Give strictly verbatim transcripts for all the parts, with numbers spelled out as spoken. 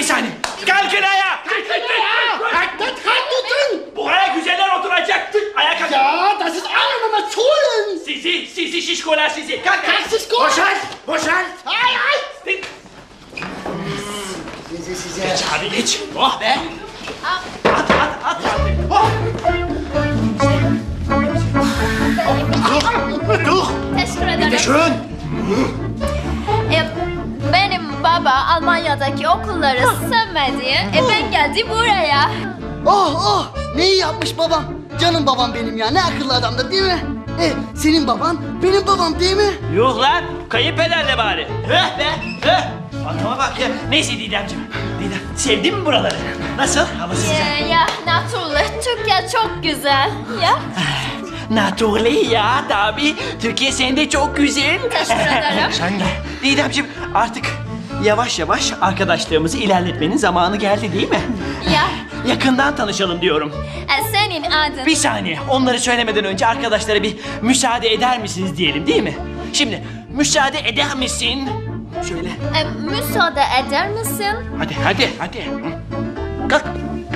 bir saniye. Kalkın ayağa. Kalk tutun. Buraya güzeller oturacak. Ayağa kalkın. Ya, das ist alle Nummer Schulen. Sizi, sizi şişkolar sizi. Kalk kalk. Das ist gut. Boşalt, boşalt. Ay ay. Size size. Geç abi geç. Oh be. At at at. Oh. Dur. Teşekkür ederim. Schön. E, benim baba Almanya'daki okulları sevmedi. E, ben geldim buraya. Oh oh, ne iyi yapmış babam. Canım babam benim ya, ne akıllı adamdır değil mi? E, senin baban benim babam değil mi? Yuh lan. Kayınpederle bari. Höh be. Höh. Adama bak ya. Neyse Didemciğim. Didem sevdin mi buraları? Nasıl? Havası sıcak. E, ya naturally Türkiye çok güzel. Ya. Naturally ya tabii. Türkiye senin de çok güzel. Teşekkür ederim. Sen de. Didemciğim artık yavaş yavaş arkadaşlığımızı ilerletmenin zamanı geldi değil mi? Ya. Yakından tanışalım diyorum. E, senin adın. Bir saniye. Onları söylemeden önce arkadaşlara bir müsaade eder misiniz diyelim değil mi? Şimdi müsaade eder misin? Şöyle. E, müsaade eder misin? Hadi hadi hadi. Kalk.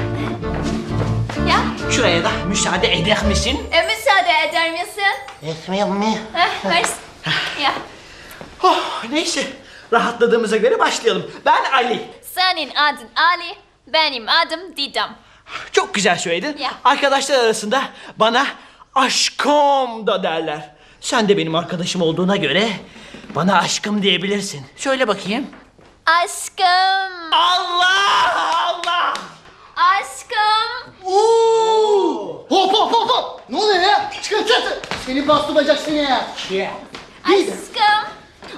Ya. Şuraya da müsaade eder misin? E, müsaade eder misin? Etmeyeyim mi? Heh, vers. Ya. Oh, neyse. Rahatladığımıza göre başlayalım. Ben Ali. Senin adın Ali, benim adım Didem. Çok güzel söyledin. Ya. Arkadaşlar arasında bana aşkım da derler. Sen de benim arkadaşım olduğuna göre bana aşkım diyebilirsin. Söyle bakayım. Aşkım, Allah Allah! aşkım. Oo! Hop hop hop hop! Ne oluyor ya? Çıkın çıkın! Seni bastı bacak seni ya! Aşkım.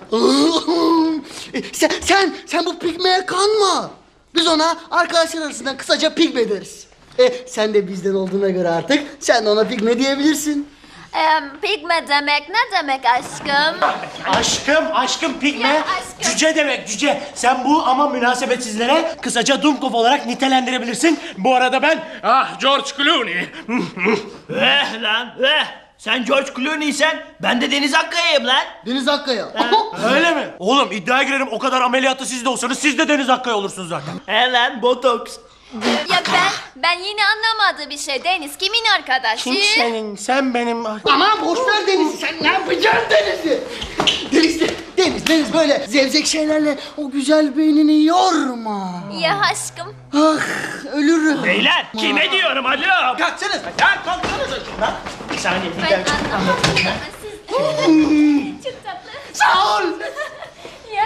E, sen, sen, sen bu pigmeye kanma! Biz ona arkadaşlar arasından kısaca pigme deriz. E, sen de bizden olduğuna göre artık sen de ona pigme diyebilirsin. Ee, pigme demek ne demek aşkım? Aşkım, aşkım pigme, Ya aşkım. cüce demek cüce. Sen bu ama münasebetsizlere kısaca Dunkov olarak nitelendirebilirsin. Bu arada ben, ah George Clooney. Eh lan eh! Sen George Clooney'sen ben de Deniz Akkaya'yım lan. Deniz Akkaya. Öyle mi? Oğlum iddiaya girerim o kadar ameliyatlı siz de olsanız siz de Deniz Akkaya olursunuz zaten. He lan botoks. Ya ben ben yine anlamadığı bir şey. Deniz kimin arkadaşı? Kim senin, sen benim... Aman boş ver Deniz'i, sen ne yapacaksın Deniz'i? Deniz, Deniz, Deniz böyle zevzek şeylerle o güzel beynini yorma. Ya aşkım. Ah, ölürüm. Beyler kime diyorum alo? Kalksanız. Ya kalksanız şundan. Bir saniye bir Ben dakika. anlamadım ama siz... Çok tatlı. Sağ ol. Ya.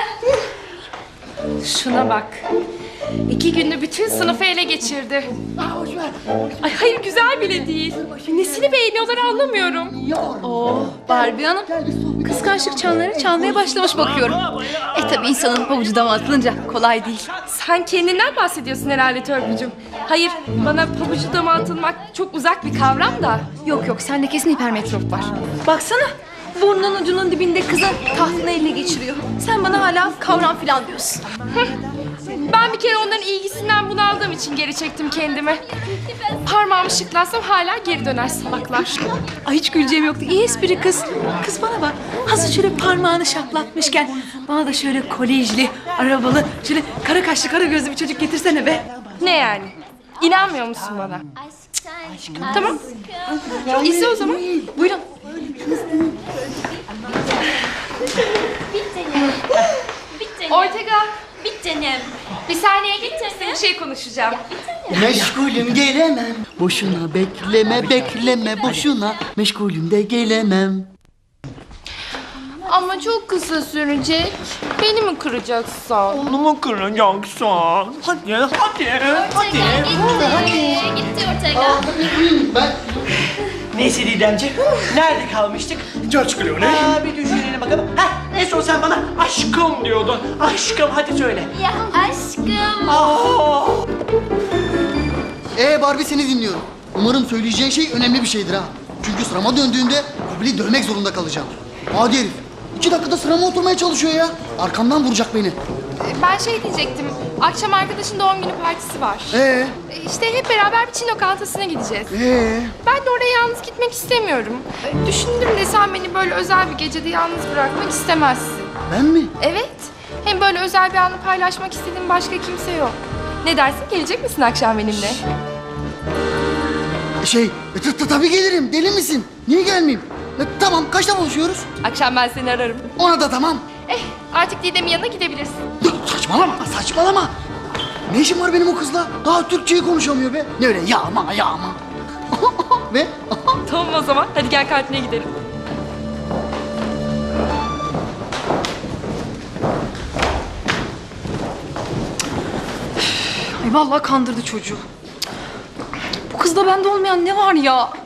Şuna bak. İki günde bütün sınıfı ele geçirdi. Ah, boş ver. Ay hayır güzel bile değil. Nesini beğeniyorlar anlamıyorum. Yorma. Oh Barbie Hanım. Kıskançlık çanları çalmaya başlamış bakıyorum. E tabi insanın pabucu dama atılınca kolay değil. Sen kendinden bahsediyorsun herhalde Törpücüğüm. Hayır bana pabucu dama atılmak çok uzak bir kavram da. Yok yok sende kesin hipermetrop var. Baksana. Burnunun ucunun dibinde kızın tahtını eline geçiriyor. Sen bana hala kavram filan diyorsun. Ben bir kere onların ilgisinden bunaldığım için geri çektim kendimi. Parmağımı şıklatsam hala geri döner salaklar. Ay hiç güleceğim yoktu. İyi espri kız. Kız bana bak. Hazır şöyle parmağını şaplatmışken bana da şöyle kolejli, arabalı, şöyle kara kaşlı, kara gözlü bir çocuk getirsene be. Ne yani? İnanmıyor musun bana? Aşkım. Tamam. İzle o zaman. Buyurun. Bir tanem. Bir tanem. Ortega. Bir tanem. Bir saniye git. Bir şey konuşacağım. Meşgulüm gelemem. Boşuna bekleme bekleme boşuna. Meşgulüm de gelemem. Ama çok kısa sürecek. Beni mi kıracaksın? Onu mu kıracaksın? Hadi hadi hadi. Ortega gitti. Gitti Ortega. Ben Neyse Didemciğim. Nerede kalmıştık? George Clooney. Aa, bir düşünelim bakalım. Heh, en son sen bana aşkım diyordun. Aşkım hadi söyle. Ya aşkım. Aa! Ee Barbie seni dinliyorum. Umarım söyleyeceğin şey önemli bir şeydir ha. Çünkü sırama döndüğünde Kubil'i dövmek zorunda kalacağım. Adi herif. İki dakikada sırama oturmaya çalışıyor ya. Arkamdan vuracak beni. Ben şey diyecektim. Akşam arkadaşın doğum günü partisi var. Ee, E, İşte hep beraber bir Çin lokantasına gideceğiz. ee. Ben de oraya yalnız gitmek istemiyorum. E, Düşündüm de sen beni böyle özel bir gecede yalnız bırakmak istemezsin. Ben mi? Evet. Hem böyle özel bir anı paylaşmak istediğim başka kimse yok. Ne dersin, gelecek misin akşam benimle? Şey, e, t- t- tabii gelirim. Deli misin? Niye gelmeyeyim? E, tamam, kaçta buluşuyoruz? Akşam ben seni ararım. Ona da tamam. Eh, artık Didem'in yanına gidebilirsin. Saçmalama, saçmalama. Ne işim var benim o kızla? Daha Türkçeyi konuşamıyor be. Ne öyle yağma yağma. Ve Tamam o zaman, hadi gel kantine gidelim. Ay vallahi kandırdı çocuğu. Bu kızda bende olmayan ne var ya?